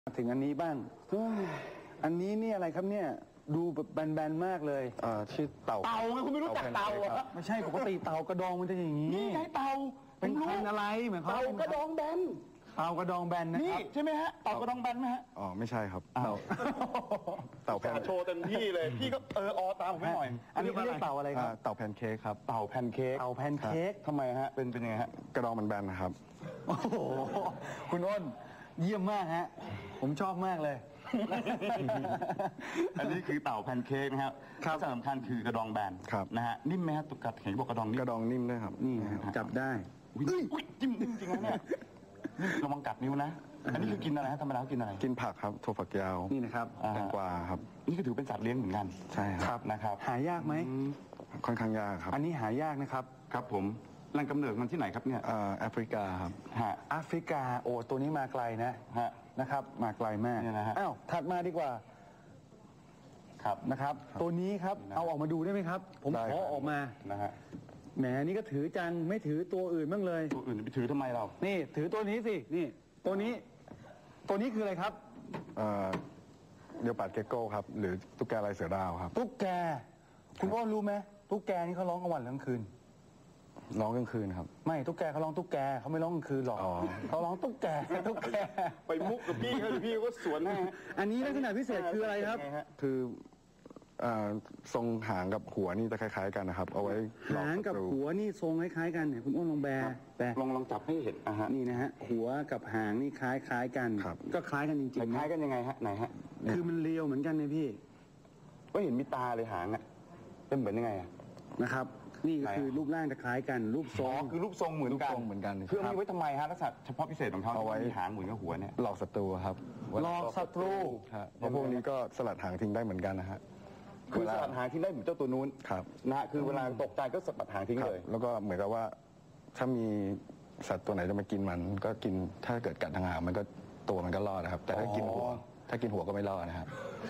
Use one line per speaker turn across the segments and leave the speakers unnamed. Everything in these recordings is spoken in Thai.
ถึงอันนี้บ้างอันนี้นี่อะไรครับเนี่ยดูแบบแบนๆมากเลย
ชื่อเต่า
ไงคุณไม่รู้จักเต่าเหรอ
ไม่ใช่ปกติเต่ากระดองมันจะอย่างนี้
นี่ไงเต่า
เป็นอะไรเหมือนเขา
เต่ากระดองแบน
เต่ากระดองแบนนะ
นี่
ครับ
ใช่ไหมฮะเต่ากระดองแบนไหมฮะ
อ๋อไม่ใช่ครับเต่าแพน
โชว์เต็มที่เลยพี่ก็ตามผมไม่หน่อย
อันนี้เขาเรียกเต่าอะไรครับ
เต่าแพนเค้กครับ
เต่าแพนเค้ก
เต่าแพนเค้ก
ทำไมฮะเป็นยังไงฮะ
กระดองมันแบนนะครับ
โอ้โหคุณอ้นเยี่ยมมากฮะผมชอบมากเลย
อันนี้คือเต่าแพนเค้กนะครับที่สำคัญคือกระดองแบน
ครับ
นะฮะนิ่มไหมฮะตุกกัดเห็นบอกกระดองนิ่ม
กระดองนิ่มด้วยครับ
นี่จับได้
อุ้ยจิ้มจริงๆนะเนี่ยระวังกัดนิ้วนะอันนี้คือกินอะไรฮะธรรมดากินอะไร
กินผักครับถั่วฝักยาว
นี่นะครับ
แตงกวาครับ
นี่ก็ถือเป็นสัตว์เลี้ยงเหมือนกัน
ใช่ครับ
นะครับ
หายากไหม
ค่อนข้างยากครับ
อันนี้หายากนะครับ
ครับผมแหล่งกำเนิดมันที่ไหนครับเนี่ย
แอฟริกาครับ
ฮะ
แอฟริกาโอ้ตัวนี้มาไกลนะ
ฮะ
นะครับ มาไกลมาก
เนี่ยนะฮะ
อ้าวถัดมาดีกว่า
ครับ
นะครับ ตัวนี้ครับเอาออกมาดูได้ไหมครับ ผม
ได้
ข
ครั
อบ ออกมา
นะฮะ
แหมนี่ก็ถือจังไม่ถือตัวอื่นบ้างเลย
ตัวอื่นไปถือทำไมเรา
นี่ถือตัวนี้สินี่ตัวนี้คืออะไรครับ
เดียวปัดเกโก้ครับ หรือตุ๊กแกลายเสือดาวครับ
ตุ๊กแกคุณอ้นรู้ไหมตุ๊กแกนี่เขาร้องกลางวันหรือกลางคืน
ร้องกลางคืนครับ
ไม่ตุ๊กแกเขาร้องตุ๊กแกเขาไม่ร้องกลางคืนหรอก
อ๋อ
เขาร้องตุ๊กแก
ไปมุกกับพี่เขาพี่ก็สวนให้
อันนี้ลักษณะพิเศษคืออะไรครับ
คือทรงหางกับหัวนี่จะคล้ายๆกันนะครับ เอาไว้หลอก
หาง
ศั
กับ
ตรู
หัวนี่ทรงคล้ายๆกันเนี่ยคุณอ้นลองแบแต่
ลองจับให้เห็นฮะ
นี่นะฮะหัวกับหางนี่คล้ายๆกัน
ครับ
ก็คล้ายกันจริงๆ
คล้าย
นะ
กันยังไงฮะไหนฮะ
คือมันเรียวเหมือนกันนะพี่
ก็เห็นมีตาเลยหางอ่ะเป็นเหมือนยังไงอ่ะ
นะครับ นี่ก็คือรูปร่างจะคล้ายกัน รูปทร
อ๋อง คือรูปทรงเหมือนกัน
รูปทรงเหมือนกัน
คือมีไว้ทำไมฮะลักษณะเฉพาะพิเศษของเขา
เอาไว้
มีหางเหมือนกับหัวเนี่ย
หลอกศัตรูครับ
หลอกศัตรู
ฮะเพราะพวกนี้ก็สลัดหางทิ้งได้เหมือนกันนะฮะ
คือสลัดหางทิ้งได้เหมือนเจ้าตัวนู้น
ครับ
นะฮะคือเวลาตกใจก็สลัดหางทิ้ง
ครับ
เลย
แล้วก็เหมือนกับว่าถ้ามีสัตว์ตัวไหนจะมากินมัน ก็กินถ้าเกิดกัดทางหางมันก็ตัวมันก็รอดนะครับ แต่ถ้ากินหัวก็ไม่รอดนะครับ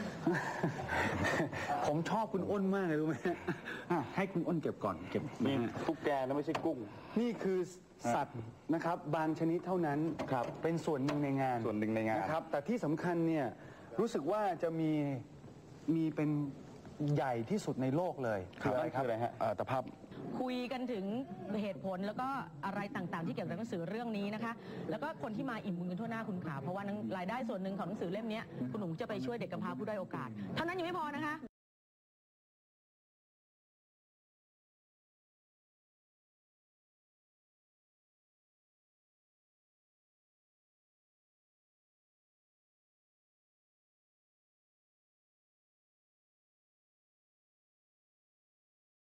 ผมชอบคุณอ้นมากเลยรู้ไหมให้คุณอ้นเก็บก่อนเก็บ
นี่
นะฮะ
ตุ๊กแกนะไม่ใช่กุ้ง
นี่คือสัตว์นะครับบางชนิดเท่านั้น
ครับ
เป็นส่วนหนึ่งในงาน
ส่วนหนึ่งในงาน
นะครับ แต่ที่สำคัญเนี่ยรู้สึกว่าจะมีเป็นใหญ่ที่สุดในโลกเลย
คืออะไรครับ
ตะภาพ
คุยกันถึงเหตุผลแล้วก็อะไรต่างๆ ที่เกี่ยวกับหนังสือเรื่องนี้นะคะ แล้วก็คนที่มาอิ่มบุญกันทั่วหน้าคุณขาเพราะว่ารายได้ส่วนหนึ่งของหนังสือเล่มนี้คุณหนุ่มจะไปช่วยเด็กกำพร้าผู้ด้อยโอกาส เท่านั้นยังไม่พอนะคะ